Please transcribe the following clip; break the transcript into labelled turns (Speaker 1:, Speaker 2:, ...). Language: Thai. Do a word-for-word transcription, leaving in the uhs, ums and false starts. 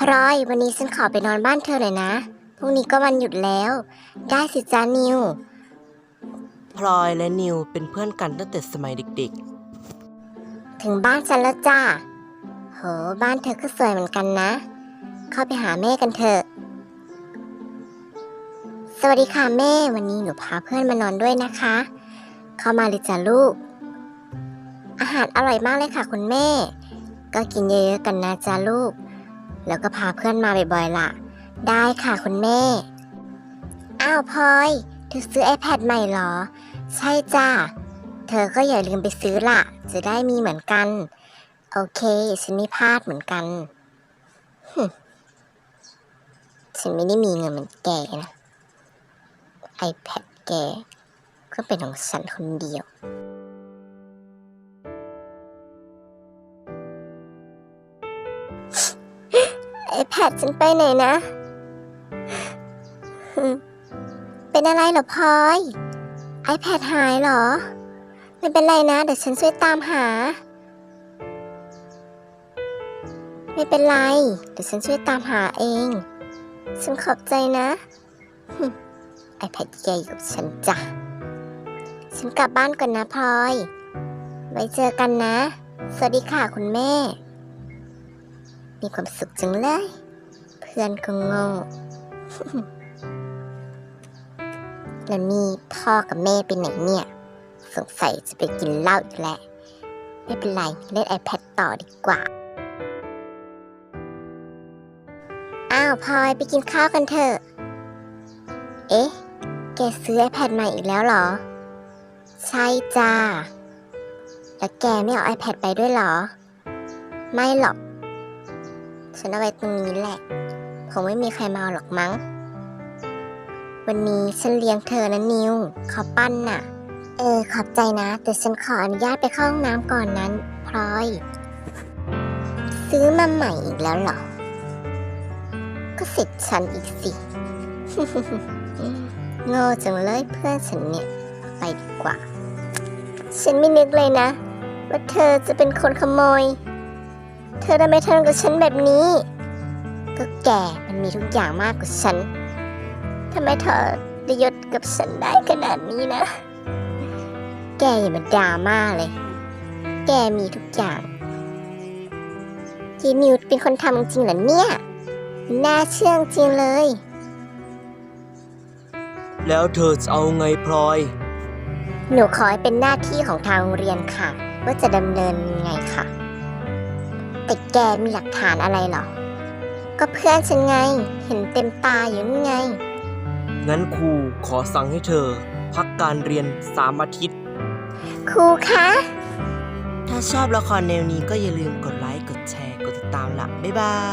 Speaker 1: พลอยวันนี้ฉันขอไปนอนบ้านเธอหน่อยนะพรุ่งนี้ก็วันหยุดแล้วได้สิจ้านิว
Speaker 2: พลอยและนิวเป็นเพื่อนกันตั้งแต่สมัยเด็ก
Speaker 1: ถึงบ้านฉันแล้วจ้าโหบ้านเธอก็สวยเหมือนกันนะเข้าไปหาแม่กันเถอะสวัสดีค่ะแม่วันนี้หนูพาเพื่อนมานอนด้วยนะคะเข้ามาเลยจ้ะลูกอาหารอร่อยมากเลยค่ะคุณแม่ก็กินเยอะๆกันนะจ้าลูกแล้วก็พาเพื่อนมาบ่อยๆล่ะได้ค่ะคุณแม่อ้าวพลอยเธอซื้อ iPad ใหม่เหรอใช่จ้าเธอก็อย่าลืมไปซื้อล่ะจะได้มีเหมือนกันโอเคฉันไม่พลาดเหมือนกันฉันไม่ได้มีเงินเหมือนแกนะ iPad แกก็เป็นของฉันคนเดียวiPad ฉันไปไหนนะ เป็นอะไรเหรอพลอย iPad หายเหรอไม่เป็นไรนะเดี๋ยวฉันช่วยตามหาไม่เป็นไรเดี๋ยวฉันช่วยตามหาเองฉันขอบใจนะ iPad แกอยู่กับฉันจ้ะฉันกลับบ้านก่อนนะพลอยไว้เจอกันนะสวัสดีค่ะคุณแม่มีความสุขจังเลยเพื่อนก็โง่ แล้วนี่พ่อกับแม่ไปไหนเนี่ยสงสัยจะไปกินเหล้าอีกแล้วไม่เป็นไรเล่น iPad ต่อดีกว่าอ้าวพลอยไปกินข้าวกันเถอะเอ๊ะแกซื้อ iPad ใหม่อีกแล้วเหรอใช่จ้าแล้วแกไม่เอา iPad ไปด้วยเหรอไม่หรอกฉันเอาไว้ตรงนี้แหละคงไม่มีใครมาเอาหรอกมั้งวันนี้ฉันเลี้ยงเธอนะนิวเขาปั้นน่ะเออขอบใจนะแต่ฉันขออนุญาตไปเข้าห้องน้ำก่อนนั้นพลอยซื้อมาใหม่อีกแล้วเหรอก็เสร็จฉันอีกสิ โง่จังเลยเพื่อนฉันเนี่ยไปดีกว่าฉันไม่นึกเลยนะว่าเธอจะเป็นคนขโมยเธอทำไมทำกับฉันแบบนี้ก็แกมันมีทุกอย่างมากกว่าฉันทำไมเธอได้ยศกับฉันได้ขนาดนี้นะแกอย่ามาดราม่าเลยแกมีทุกอย่างจีนิวเป็นคนทำจริงเหรอเนี่ยน่าเชื่อจริงเลย
Speaker 2: ๆ แล้วเธอจะเอาไงพลอย
Speaker 1: หนูขอให้เป็นหน้าที่ของทางโรงเรียนค่ะว่าจะดำเนินยังไงค่ะแต่แกมีหลักฐานอะไรเหรอก็เพื่อนฉันไงเห็นเต็มตาอยู่นี่ไง
Speaker 2: งั้นครูขอสั่งให้เธอพักการเรียนสามอาทิตย์
Speaker 1: ครูคะ
Speaker 2: ถ้าชอบละครแนวนี้ก็อย่าลืมกดไลค์ กดแชร์ กดติดตามละบ๊ายบาย